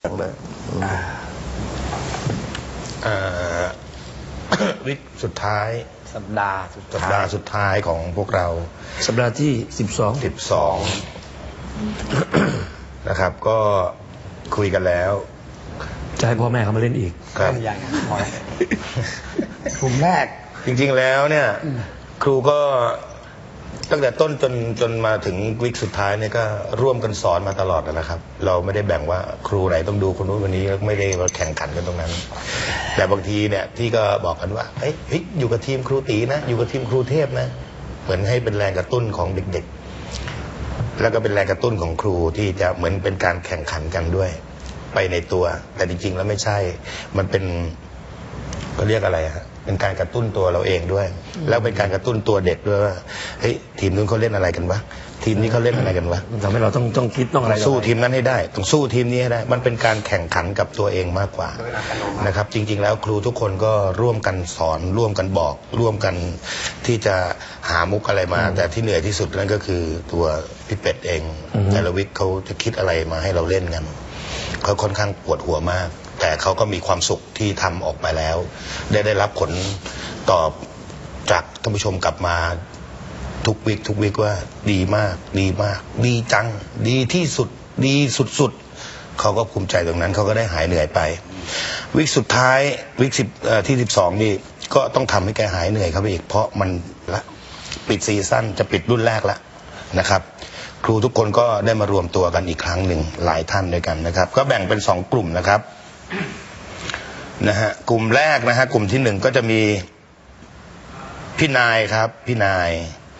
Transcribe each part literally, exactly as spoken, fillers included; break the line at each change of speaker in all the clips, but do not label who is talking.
อย่างเลย
วิกสุดท้าย
สัปดาห์สุด
สัปดาห์สุดท้ายของพวกเรา
สัปดาห์ที่สิบสอง
สิบสองนะครับ ก็คุยกันแล้ว
จะให้พ่อแม่เขามาเล่นอีก
ครับ
อย่างพอยกลุ่มแรก
จริงๆแล้วเนี่ยครูก็ตั้งแต่ต้นจนจนมาถึงวิกสุดท้ายเนี่ยก็ร่วมกันสอนมาตลอดนะครับเราไม่ได้แบ่งว่าครูไหนต้องดูคนนู้นคนนี้ไม่ได้แข่งขันกันตรงนั้นแต่บางทีเนี่ยที่ก็บอกกันว่าเฮ้ยอยู่กับทีมครูตีนะอยู่กับทีมครูเทพนะเหมือนให้เป็นแรงกระตุ้นของเด็กๆแล้วก็เป็นแรงกระตุ้นของครูที่จะเหมือนเป็นการแข่งขันกันด้วยไปในตัวแต่จริงๆแล้วไม่ใช่มันเป็นเขาเรียกอะไรฮะเป็นการกระตุ้นตัวเราเองด้วยแล้วเป็นการกระตุ้นตัวเด็กด้วยว่าเฮ้ยทีมนู้นเขาเล่นอะไรกันวะทีมนี้เขาเล่นอะไรกันวะ
ทำให้เราต้องต้องคิดต้องอะไร
สู้ทีมนั้นให้ได้ต้องสู้ทีมนี้ให้ได้มันเป็นการแข่งขันกับตัวเองมากกว่านะครับจริงๆแล้วครูทุกคนก็ร่วมกันสอนร่วมกันบอกร่วมกันที่จะหามุกอะไรมาแต่ที่เหนื่อยที่สุดนั่นก็คือตัวพี่เป็ดเองแต่ละวิกเขาจะคิดอะไรมาให้เราเล่นกันเขาค่อนข้างปวดหัวมากแต่เขาก็มีความสุขที่ทำออกมาแล้วได้ได้รับผลตอบจากท่านผู้ชมกลับมาทุกวิกทุกวิกว่าดีมากดีมากดีจังดีที่สุดดีสุดๆเขาก็ภูมิใจตรงนั้นเขาก็ได้หายเหนื่อยไปวิกสุดท้ายวิกสิบที่สิบสองนี่ก็ต้องทำให้แกหายเหนื่อยครับอีกเพราะมันละปิดซีซั่นจะปิดรุ่นแรกแล้วนะครับครูทุกคนก็ได้มารวมตัวกันอีกครั้งหนึ่งหลายท่านด้วยกันนะครับก็แบ่งเป็นสองกลุ่มนะครับนะฮะกลุ่มแรกนะฮะกลุ่มที่หนึ่งก็จะมีพี่นายครับพี่นาย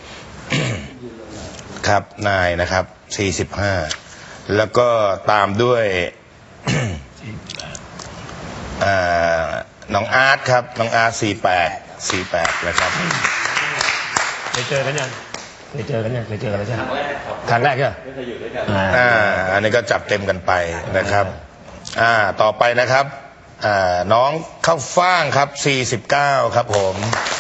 ครับนายนะครับสี่สิบห้าแล้วก็ตามด้วยน้องอาร์ตครับน้องอาร์ตสี่แปดสี่แปดนะครับ
เคยเจอกันยังเคยเจอกันยังเคยเจอกันแล้วใช่ไหมครั้งแรกเหรอไม่เคยอยู่ด้วยกัน
อ่าอันนี้ก็จับเต็มกันไปนะครับอ่าต่อไปนะครับอ่าน้องข้าวฟ่างครับสี่สิบเก้าครับผม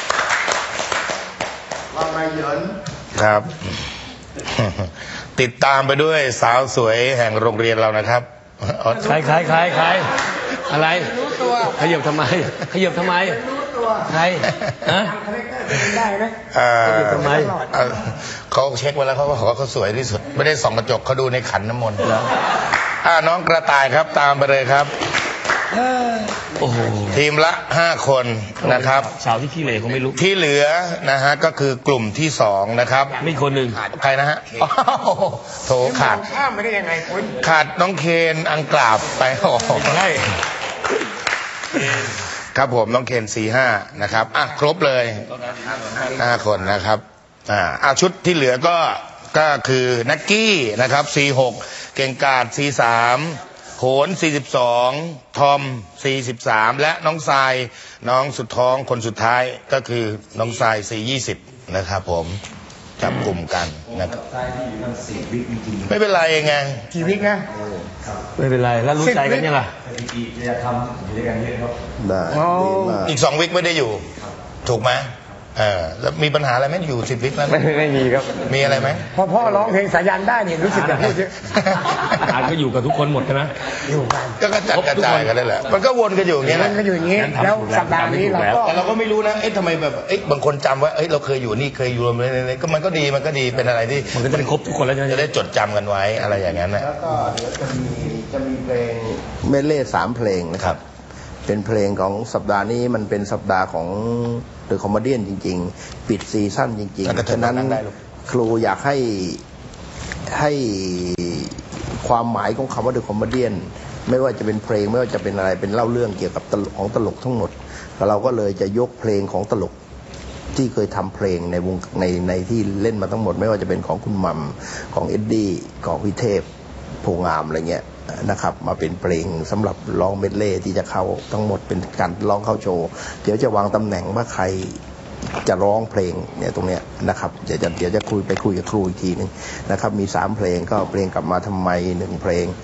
ว่าไงเหยิน
ครับติดตามไปด้วยสาวสวยแห่งโรงเรียนเรานะครับ
ใครใครใครใครอะไรรู้ตัวขยับทำไมขยับทำไมรู้ตัวใครฮะได้ไหมขยับทำไม
เขาเช็คไว้แล้วเขาบอกว่าเขาสวยที่สุดไม่ได้ส่องกระจกเขาดูในขันน้ำมนต์แล้วอ่าน้องกระต่ายครับตามไปเลยครับ
โอ้โห
ทีมละห้าคนนะครับ
สาวที่ขี้เหร่เขาไม่รู้
ที่เหลือนะฮะก็คือกลุ่มที่สองนะครับ
มีคนหนึ่ง
ใครนะฮะโถขาด
ข้ามไม่ได้ยังไงคุณ
ขาดน้องเคนอังกราบไปโอ้โหใช่ครับผมน้องเคนสี่ห้านะครับอ่ะครบเลยห้าคนนะครับอ่าอ่ะชุดที่เหลือก็ก็คือนักกี้นะครับสี่หกเก่งกาดสี่สามโหนสี่สิบสองทอมสี่สิบสามและน้องทรายน้องสุดท้องคนสุดท้ายก็คือน้องทรายสี่ยี่สิบนะครับผมจับกลุ่มกันนะครับไม่เป็นไรไง
กี่วิกนะ
ไม่เป็นไรแล้วรู้ใจกันยังไงจะทำอยู่ด้วยกันเยอะครับ
ได้อีกสองวิกไม่ได้อยู่ถูกไหมเออแล้วมีปัญหาอะไรไหมอยู่สิบวิกแล้ว
ไม่ไม่มีครับ
มีอะไรไหม
พอพ่อร้องเพลงสายันได้เนี่ยรู้สึกแบบพูดเยอะ
อาจก็อยู่กับทุกคนหมดใช่ไหม
อยู่กัน
ก็กระจัดกระจายกันได้แหละมันก็วนกันอยู่อย่างเงี้ย
วนกันอยู่อย่างเงี้ยแล้วสัปดาห์นี้เราก็
แต่เราก็ไม่รู้นะเอ๊ะทำไมแบบเอ๊ะบางคนจำว่าเอ๊ะเราเคยอยู่นี่เคยอยู่รวมเลยก็มันก็ดีมันก็ดีเป็นอะไรที่
มันก็จะครบทุกคนแล้ว
จะได้จดจำกันไว้อะไรอย่างนั้นนะ
แล้วก็เดี๋ยวจะมีจะมีเพลง
เมดเล่สามเพลงนะครับเป็นเพลงของสัปดาห์นี้มันเป็นสัปดาห์ของเดอะคอมเมดี้จริงๆปิดซีซั่นจริงๆฉะนั้นครูอยากให้ให้ความหมายของคำว่าเดอะคอมเมดี้ไม่ว่าจะเป็นเพลงไม่ว่าจะเป็นอะไรเป็นเล่าเรื่องเกี่ยวกับตลกของตลกทั้งหมดเราก็เลยจะยกเพลงของตลกที่เคยทำเพลงในวงในในที่เล่นมาทั้งหมดไม่ว่าจะเป็นของคุณมัมของเอ็ดดี้ของพิเทพโพงามอะไรเงี้ยนะครับมาเป็นเพลงสำหรับร้องเมดเล่ที่จะเข้าทั้งหมดเป็นการร้องเข้าโชว์เดี๋ยวจะวางตำแหน่งว่าใครจะร้องเพลงเนี่ยตรงเนี้ยนะครับเดี๋ยวจะเดี๋ยวจะคุยไปคุยกับครูอีกทีนึงนะครับมีสามเพลงก็เพลงกลับมาทำไมหนึ่งเพลง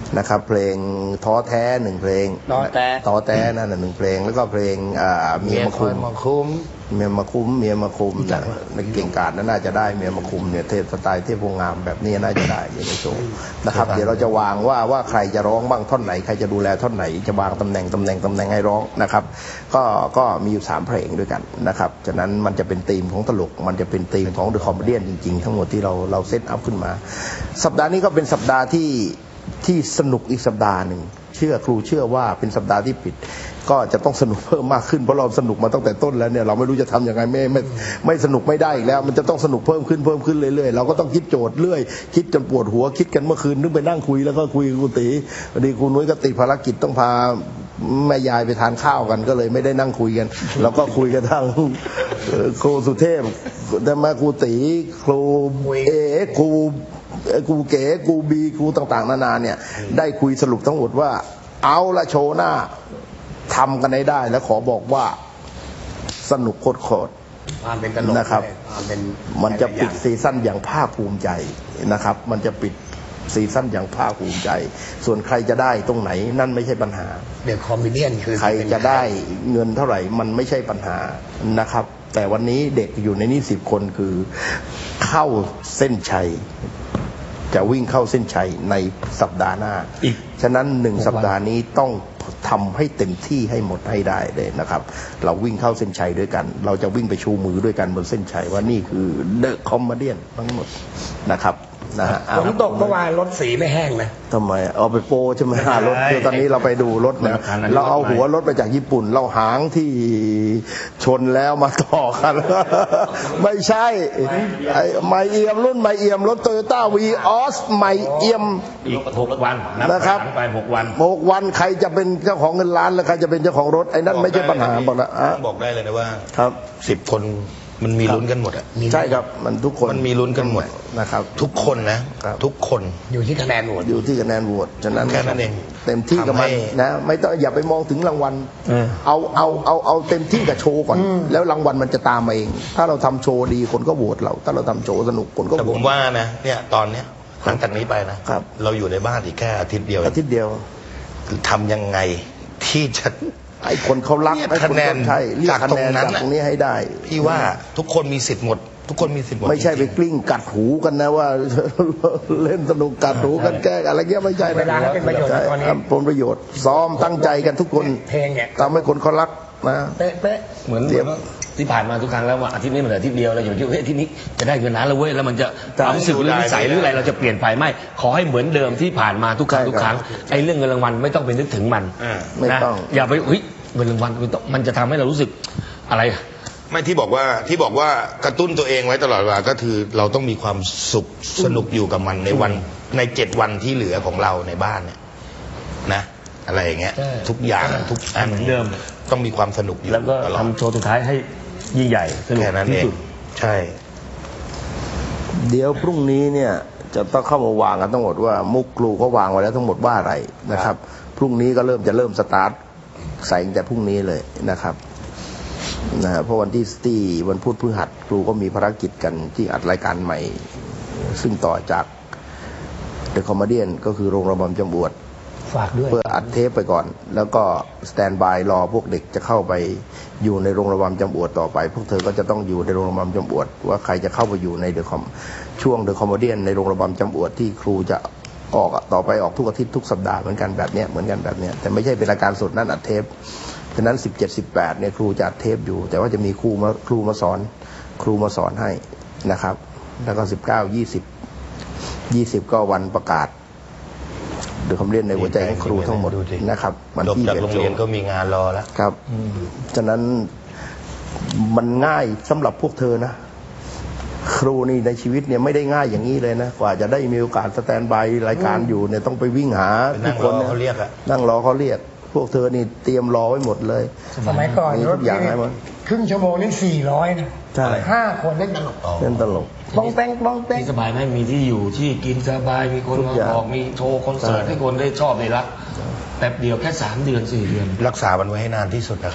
นะครับ เพลงท้อแท้หนึ่งเพลง
ท้อแท้
ท้อแท้นั่นนะหนึ่งเพลงแล้วก็เพลงอ่าเมียมาคุม
มาคุ้ม
เมียมาคุ้มเมียมาคุมนะในเก่งกาจนั้นน่าจะได้เมียมาคุมเนี่ยเทพสไตล์เทพโพงามแบบนี้น่าจะได้อยู่ในโชว์นะครับเดี๋ยวเราจะวางว่าว่าใครจะร้องบ้างท่อนไหนใครจะดูแลท่อนไหนจะวางตำแหน่งตำแหน่งตำแหน่งให้ร้องนะครับก็ก็มีอยู่สามเพลงด้วยกันนะครับฉะนั้นมันจะเป็นธีมของตลกมันจะเป็นธีมของเดอะคอมเมดี้จริงๆทั้งหมดที่เราเราเซตอัพขึ้นมา สัปดาห์นี้ก็เป็นสัปดาห์ที่ที่สนุกอีกสัปดาห์หนึ่งเชื่อครูเชื่อว่าเป็นสัปดาห์ที่ปิดก็จะต้องสนุกเพิ่มมากขึ้นเพราะเราสนุกมาตั้งแต่ต้นแล้วเนี่ยเราไม่รู้จะทำยังไงไม่ไม่ไม่สนุกไม่ได้อีกแล้วมันจะต้องสนุกเพิ่มขึ้นเพิ่มขึ้นเรื่อยๆเราก็ต้องคิดโจทย์เรื่อยคิดจนปวดหัวคิดกันเมื่อคืนนึกไปนั่งคุยแล้วก็คุยกับครูตีพอดีครูนุ้ยก็ติดภารกิจต้องพาแม่ยายไปทานข้าวกันก็เลยไม่ได้นั่งคุยกันเราก็คุยกันทางครูสุเทพแต่มาครูตีครูเอครูครูเก๋ครูบีครูต่างๆนานาเนี่ยได้คุยสรุปทั้งหมดว่าเอาละโชว์หน้าทำกันให้ได้แล้วขอบอกว่าสนุกโคตร
ความเป็นตลก
ๆนะครับ
ความเป็น
มันจะปิดซีซั่นอย่างภาคภูมิใจนะครับมันจะปิดซีซั่นอย่างภาคภูมิใจ ส่วนใครจะได้ตรงไหนนั่นไม่ใช่ปัญหา
เดอะคอมเมดี้คือ
ใครจะได้เงินเท่าไหร่มันไม่ใช่ปัญหานะครับแต่วันนี้เด็กอยู่ในนี้สิบคนคือเข้าเส้นชัยจะวิ่งเข้าเส้นชัยในสัปดาห์หน้าอีกฉะนั้นหนึ่งสัปดาห์นี้ต้องทำให้เต็มที่ให้หมดให้ได้เลยนะครับเราวิ่งเข้าเส้นชัยด้วยกันเราจะวิ่งไปชูมือด้วยกันบนเส้นชัยว่านี่คือเดอะคอมเมดี้ทั้งหมดนะครับนะฮะ
ฝนตกเมื่อวานรถสีไม่แห้งนะ
ทำไมเอาไปโปรใช่ไหมฮะรถคือตอนนี้เราไปดูรถนะเราเอาหัวรถมาจากญี่ปุ่น เราหางที่ชนแล้วมาต่อกัน ไม่ใช่ไอ้ไมเอียมรุ่นไมเอียมรถโตโยต้าวีออสไมเอียม
อีกหกวัน
นะครับ
ไปหกวัน
หกวันใครจะเป็นเจ้าของเงินล้านแล้วใครจะเป็นเจ้าของรถไอ้นั่นไม่ใช่ปัญหาบอกนะอ่ะ
บอกได้เลยนะว่า
ครับ
สิบคนมันมีลุ้นกันหมดอะ
ใช่ครับมันทุกคน
มันมีลุ้นกันหมด
นะครับ
ทุกคนนะครับ ทุกคน
อยู่ที่คะแนนโหวต
อยู่ที่คะแนนโหวตฉะนั้น
แค่นั้นเอง
เต็มที่กับมัน
ทำให้
นะไม่ต้องอย่าไปมองถึงรางวัล
เออ
เอาเอาเอาเอาเต็มที่กับโชว์ก่อน แล้วรางวัลมันจะตามมาเอง ถ้าเราทำโชว์ดีคนก็โหวตเรา ถ้าเราทำโชว์สนุกคนก็
แต่
โหว
ผ
ต
มว่านะเนี่ยตอนเนี้ยหลังจากนี้ไปนะครับ เราอยู่ในบ้านอีกแค่อาทิตย์เดียวเอ
อาง ทิตย์เดียว
ทำยังไงที่จะ
ไอ้คนเขารัก
เรียก
ไอ้คน
คะแนน
เขาใช่เรียก
จาก
คะ
ตร
แน
ง
น
นั้น
จาก
น่ะ
ตรงนี้ให้ได้
พี่ว่าทุกคนมีสิทธิ์หมด ทุกคนมีสิทธิ์หมด
ไม่ใช่ไป
จริง
กลิ้งกัดหูกันนะว่า เล่นสนุกกัดหูกันแกล้งอะไรเงี้ยไม่ใช่นะ
เวลาให้เป็นประโยชน์นะตอนนี้
ใช่ผลประโยชน์ ซ้อมตั้งใจกันทุกคน
เพลงเนี่ย
ทำให้คนเขารักนะ
เป๊ะเป๊ะ
เหมือน
เดี๋ยว
ที่ผ่านมาทุกครั้งแล้วว่าอาทิตย์นี้มันเหลืออาทิตย์เดียวเราอย่าไปคิดว่าเฮ้ยอาทิตย์นี้จะได้เงินล้านแล้วเว้ยแล้วมันจะความรู้สึกหรือนิสัยหรืออะไรเราจะเปลี่ยนไปไม่ขอให้เหมือนเดิมที่ผ่านมาทุกครั้งทุกครั้งไอ้เรื่องเงินรางวัลไม่ต้องไปนึกถึงมัน
อ่า
ไม่
นะ
ต้อง
อย่าไปเฮ้ยเงินรางวัลมันต้องมันจะทำให้เรารู้สึกอะไร
ไม่ที่บอกว่าที่บอกว่ากระตุ้นตัวเองไว้ตลอดเวลาก็คือเราต้องมีความสุขสนุกอยู่กับมันในวันในเจ็ดวันที่เหลือของเราในบ้านเนี่ยนะอะไรอย่างเงี้ย
ใช่
ทุกอย่างทุกอัน
เหมือนเดิม
ต้องมีความสนุกอยู่
แล้วก็
ตลอด
ทำโชว์สุดท้ายให้ยิ่งใหญ่สนุก
แค่นั้น
ที่
เอง
สุด
ใช่
เดี๋ยวพรุ่งนี้เนี่ยจะต้องเข้ามาวางกันทั้งหมดว่ามุกครูเขาวางไว้แล้วทั้งหมดว่าอะไรนะครับ พรุ่งนี้ก็เริ่มจะเริ่มสตาร์ทใส่ตั้งแต่พรุ่งนี้เลยนะครับนะฮะเพราะวันที่ที่วันพุธพฤหัสครูก็มีภารกิจกันที่อัดรายการใหม่ ซึ่งต่อจากเดอะคอมเมดี้ก็คือโรงระบำจำบวด
ฝากด้วย
เพื่ออัดเทปไปก่อน แล้วก็สแตนบายรอพวกเด็กจะเข้าไปอยู่ในโรงระบำจำอวดต่อไป พวกเธอก็จะต้องอยู่ในโรงระบำจำอวดว่าใครจะเข้าไปอยู่ในเดอะคอมช่วงเดอะคอมเมดี้ในโรงระบำจำอวดที่ครูจะออกอะต่อไปออกทุกอาทิตย์ทุกสัปดาห์เหมือนกันแบบเนี้ยเหมือนกันแบบเนี้ยแต่ไม่ใช่เป็นรายการสดนั่นอัดเทปฉะนั้นสิบเจ็ด สิบแปดเนี่ยครูจะอัดเทปอยู่ แต่ว่าจะมีครูมาครูมาสอนครูมาสอนให้นะครับ แล้วก็สิบเก้า ยี่สิบ ยี่สิบก็วันประกาศเดอะคอมเมดี้ในหัวใจของครูทั้งหมดนะครับวัน
จบ
ที่
จาก
เอ็ด
โรงเรียนก็มีงานรอแล้ว
ครับฉะนั้นมันง่ายสำหรับพวกเธอนะ ครูนี่ในชีวิตเนี่ยไม่ได้ง่ายอย่างนี้เลยนะกว่าจะได้มีโอกาสสแตนบายรายการอยู่เนี่ยต้องไปวิ่งหา
ไปนั่
ทุก
ง
คน
รอ
นี่
เขาเรียกอะ
นั่งรอเขาเรียก พวกเธอนี่เตรียมรอไว้หมดเลย
สมัยก่อน
มี
ร
ทุ
ถ
กอย่างให้หมด
ครึ่งชั่วโมงนี่สี่ร้อยนะ
ใช่
ห้าคนเล่นตลก
เล่นตลก
บ้องแป้งบ้องแป้ง
ที่สบายไหมมีที่อยู่ที่กินสบายมีคน
ทุก
มา
อย่าง
บอกมีโชว์คอนเสิร์ต
ใช่
ให้คนได้ชอบได้รักแป๊บเดียวแค่สามเดือนสี่เดือน
รักษามันไว้ให้นานที่สุดนะครับ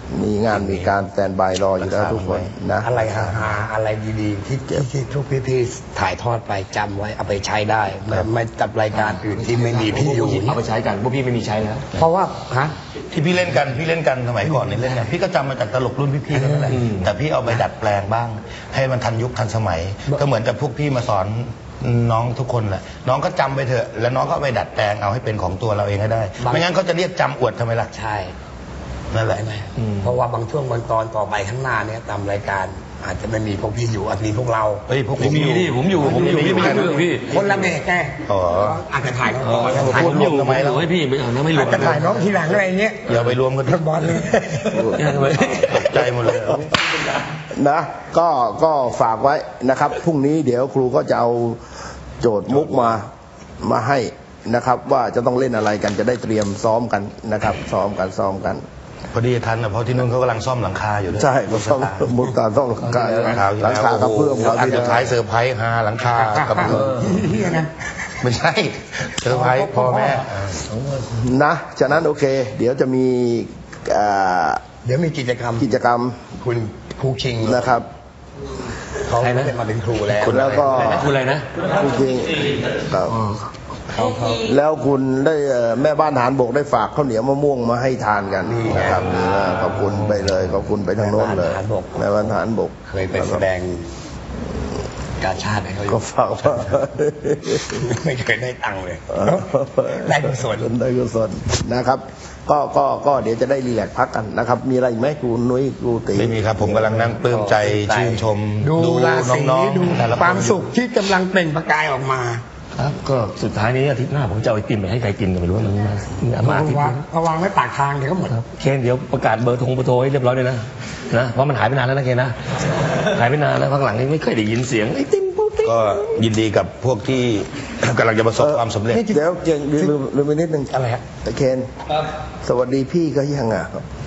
มีงานมีการแตนบายรออยู่แล้วทุกคนนะ
อะไรฮาๆอะไรดีๆที่ที่ที่ทุกพี่ๆถ่ายทอดไปจำไว้เอาไปใช้ได้ไม่ไม่จับรายการอื่นที่ไม่มีพี่อยู่
เอาไปใช้กันพวกพี่ไม่มีใช้แล้ว
เพราะว่าฮะ
ที่พี่เล่นกันพี่เล่นกันสมัยก่อนเนี่ยเล่นกันพี่ก็จำมาจากตลกรุ่นพี่ๆกันนั่นแหละแต่พี่เอาไปดัดแปลงบ้าง ให้มันทันยุคทันสมัย ก็เหมือนกับพวกพี่มาสอนน้องทุกคนแหละน้องก็จำไปเถอะแล้วน้องก็เอาไปดัดแปลงเอาให้เป็นของตัวเราเองให้ได้ ไม่งั้นเขาจะเรียกจำอวดทำไมล่ะ
ใช่
นั่นแหละ
ใช่ไหมเพราะว่าบางช่วงบางตอนต่อไปข้างหน้าเนี่ยตามรายการอาจจะไม่มีพวกพี่อยู่อาจมีพวกเรา
เฮ้ยพวก
ผมมีดิผมอยู่ผมอยู่พี่ไม่ใช่เรื่องพี่
คนละเบรกแก
อ๋อ
อาจจะถ่ายก่อน
ถ่ายผมอยู่ทำไมเราให้พี่ไม่เอานะไม่รว
อาม จจะถ่ายน้องทีหลังอะไรเงี้ย
อย่าไปรวมกัน
บอลเลย
ตกใจหมดเลย
นะก็ก็ฝากไว้นะครับพรุ่งนี้เดี๋ยวครูก็จะเอาโจทย์มุกมามาให้นะครับ ว่าจะต้องเล่นอะไรกันจะได้เตรียมซ้อมกันนะครับ ซ้อมกันซ้อมกัน
พอดีทันนะเพราะที่นู่นเขากำลังซ่อมหลังคาอยู่ด้วย
ใช่ก็ซ้อมมุกตาซ้อมหลังคา
หลังคาที่
หลัง
แล้ว
คากระเพื่อม
โอ้
เรา
โหอัน
ที่
สุดท้ายเซอร์ไพรส์ฮาหลังคากระเพื่อม
เฮียนะ
ไม่ใช่เซอร์ไพรส์พ่อแม่
นะฉะนั้นโอเค เดี๋ยวจะมีอ่า
เดี๋ยวมีกิจกรรม
กิจกรรม
คุณครูชิง
นะครับ
เขาไม่ได้มาเป็นครูแล้ว
แล้วก็
คุณอะไรนะ
จริงๆครับแล้วคุณได้เอ่อแม่บ้านทหารบกได้ฝากข้าวเหนียวมะม่วงมาให้ทานกันนะครับอ่าขอบคุณไปเลยขอบคุณไปทางโน้นเลยแม่บ้านทหารบก
เคยไปแสดงการชาติให้เขาอ
ก็
ยู่
ฝากว่า
ไม่เคยได้ตังค์เลยได้กุศล
ได้กุศลนะครับ ก็ก็ก็เดี๋ยวจะได้รีแลกซ์พักกันนะครับ มีอะไรอีกไหมครูนุ้ยครูตี
ไม่มีครับผมกำลังนั่งปลื้มใจชื่นชม
ดูราศี
น้อง
ดู
ๆแต่ละ
ความสุขที่กำลังเปล่งประกายออกมา
ครับก็สุดท้ายนี้อาทิตย์หน้าผมจะเอาไอติมไปให้ใครกินก็ไม่รู้มันมามาอาทิตย์
วาง
นี้
เอาวางไว้ปากทางเดี๋ยวก็หมด
เคนเดี๋ยวประกาศเบอร์โทงเบอร์โทรให้เรียบร้อยเลยนะนะเพราะมันหายไปนานแล้วนะเคนนะหายไปนานแล้วพักหลังนี้ไม่เคยได้ยินเสียงไอติมปูติ
ก็ยินดีกับพวกที่ กำลังจะประสบความสำเร็จ
เดี๋ยวเดี๋ยวลืมลืมไปนิดนึง
อะไรฮะ
ตะเคนสวัสดีพี่ก็ยังอ่ะ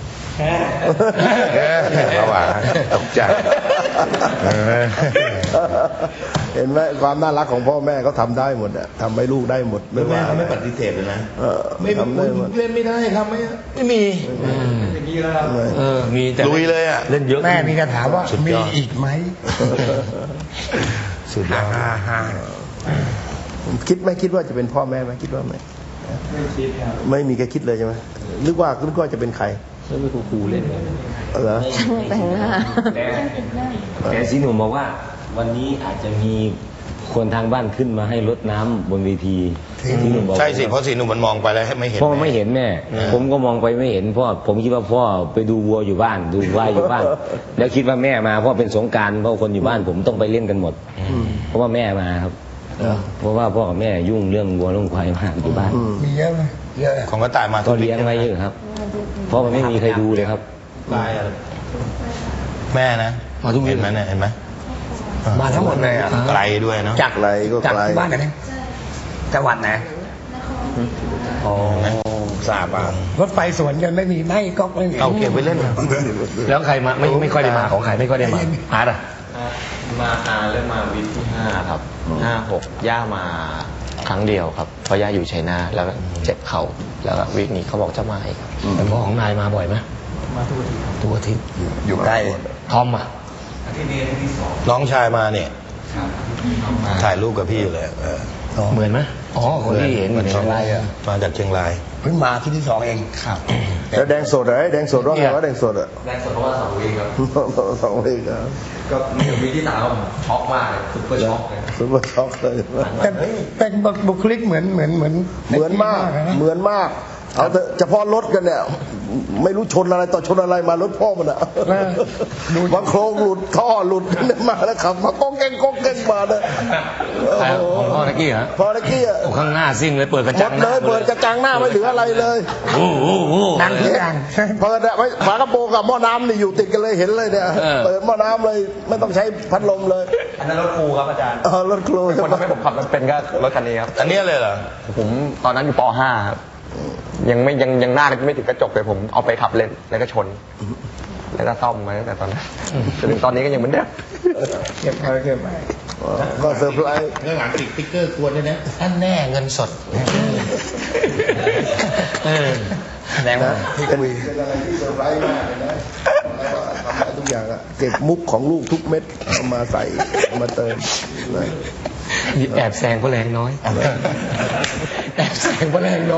ระหว่างตกใจ
เห็นไหมความน่ารักของพ่อแม่เขาทำได้หมดอะทำให้ลูกได้หมดไม่ว่า
เขาไม่ปฏิเสธเลยนะ
เออ
ไม่
ทำได้หมด
เล่นไม่ได้ครับไม่ไม่มี
เออมีแต่
ลุยเลยอ่ะ
เล่นเยอะ
แม่มีคำถามว่า
สุดย
มี
อด
อีกไหม
สุดยอด
ฮ่าฮ่า
คิดไหมคิดว่าจะเป็นพ่อแม่ไหมคิดว่าไหมไม่คิดไม่มีแกคิดเลยใช่ไหมนึกว่านึกว่าจะเป็นใคร
แล้วไปครูๆเล่น
เหรอ
แต่งหน้า
แต่แต่สีหนุ่มบอกว่า วันนี้อาจจะมีคนทางบ้านขึ้นมาให้รดน้ำบนเวทีสีหนุ่มบอก
ใช่สิเพราะสีหนุ่มมันมองไปแล้วไม่เห็น
พ่อไม่เห็นแม่ ผมก็มองไปไม่เห็นพ่อผมคิดว่าพ่อไปดูวัวอยู่บ้าน ดูควายอยู่บ้าน แล้วคิดว่าแม่มาเพราะเป็นสงกรารเพราะคนอยู่บ้านผมต้องไปเล่นกันหมด เพราะว่าแม่มาครับ เพราะว่าพ่อกับแม่ยุ่งเรื่องวัวเรื่องควายมากอยู่บ้าน
มีเยอะไหมเยอะ
ของกระต่ายมา
ก็เลี้ยงไว้เยอะครับ เพราะมันไม่มีใครดูเลยครับ
แม่นะ
มาทุกเย็
เห็
น
นไหมเนี่ยเห็นไหม
มาทั้งหมดเลยอ่ะ
ไกลด้วยเนาะ
จาก
ไกลก็
จาก
ไกล
ที่บ้านไหนเนี่ยจังหวัดไหนอ๋อทราบอ่ะรถไฟสวนกันไม่มีไม่ก็ไม่มี
เอาเก็บไว้เล่น
แล้วใครมาไม่ไม่ค่อยได้มาของใครไม่ค่อยได้มาอาร์ตอะ
มาอาเริ่มมาวิกที่ห้าครับห้าหกย่ามาครั้งเดียวครับเพราะย่าอยู่ชัยนาทแล้วก็เจ็บเข่าแล้วก็วิกนี้เขาบอกจะมาอีกครับ
แต่พ่อของนายมาบ่อยไหมมาทุกอาทิตย์ทุกอาทิตย์
อยู่ใกล้
ทอมอ่ะ
น้องชายมาเนี่ยถ่ายรูปกับพี่อยู่เลยเออ
เหมือนไหมอ๋อคนที่เห็น
เหมือน
ใน
สอง
ไลน์อะ
มาจากเชียงราย
เพิ่งมาที่ที่สองเองครับ
แล้วแดงสดเหรอแดงสดว่าไงว่าแดงสดอะ
แรกสุดเพราะว่าสองวีครับ
สองเลขอะ
ก็วีที่สามผมช็อกมากเลยซุปเปอร์ช็อกเลย
ซุปเปอร์ช็อกเลย
แต่แต่บุคลิกเหมือนเหมือนเหมือน
เหมือนมาก
นะ
เหมือนมาก เอาแต่เฉพาะรถกันเนี่ย ไม่รู้ชนอะไรต่อชนอะไรมารถพ่อมันอะ
เออดู
บางโครงหลุดท่อหลุดเนี่ยมาแล้วขับมาก้องแกงก้องแกงมาเนี่ยโอ้
ใคร
โห
ของพ่อตะกี้เหรอ
พอตะกี้อะ
โอ้ข้างหน้าซิ่งเลยเปิดกระ
หม
จั
ด
งห
เล
น้าย
เปิดกระจังหน้าไม่เหลืออะไรเลย
โอ้โห
ดังทุกอย่าง
เปิดอะไว้ฝากระโปรงกับหม้อน้ำนี่อยู่ติดกันเลยเห็นเลยเนี่ย
เออ
เปิดหม้อน้ำเลยไม่ต้องใช้พัดลมเลย
อันนั้นรถครูครับอาจารย์
เออรถครู
คนทำให้ผมขับมันเป็นก็รถคันนี้ครับ
อันเนี้ยเลยเหรอ
ผมตอนนั้นอยู่ป .ห้า ครับยังไม่ยังยังหน้าไม่ถึงกระจกเลยผมเอาไปขับเล่นแล้วก็ชน แล้วก็ซ่อมมาตั้งแต่ตอนนั้นจนถึงตอนนี้ก็ยังเหมือนเดิม
เก็บไปเก็บไป
ก็เซอร์ไพรส์
เรื่องหลังติดติ๊กเกอร์กวนด้วยนะท่านแน่เงินสด
เออดง
นะ
ว่า
เป็นเป็นอะไรที่เซอร์ไพรส์มากเลยนะทำได้ทุกอย่างอะเก็บมุกของลูกทุกเม็ดเอามาใส่เอามาเติมนะ
แอบแซงเพราะแรงน้อยแอบแซงเพราะแรงน้อย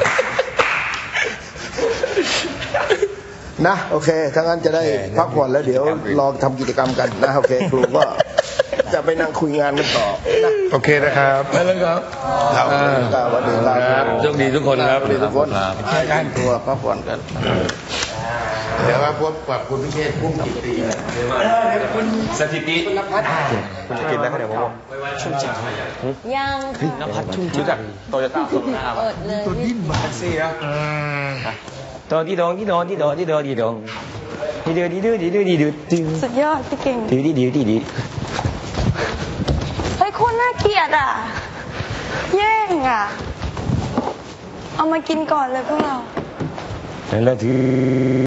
นะโอเคถ้างั้นจะได้พักผ่อนแล้วเดี๋ยวรอทำกิจกรรมกันนะโอเคครูก็จะไปนั่งคุยงานกันต่อนะ
โอเคนะครับ
ไปแล้วครับ
ครับ
อ่า
สวัสดีค
ค
รั
รั
บบ
โชคดีทุกคนครับ
สวัสดีทุกคนให้กันตัวพักผ่อนกัน
เดี๋ยวมาพบกับคุณพิเชษพุ่มจิตตี
สถิติ
กินได้แค่เดี๋ยวผม
ยังนภัทรชุ่มชื่นจากโตโยต้าโซลูน่าเปิดเลยตัวดิ้นมาซี่นะ
ตอนที่ดองที่ดองที่ดองที่ดองที่ดองที่เดือดที่เดือดที่เดือดที่เดือดที่
สุดยอดพี่เก่ง
เดือดที่เดือดที่เดือด
เฮ้ยโคนน่าเกลียดอ่ะ แย่งอ่ะ เอามากินก่อนเลยพวกเรา
แล้วถือ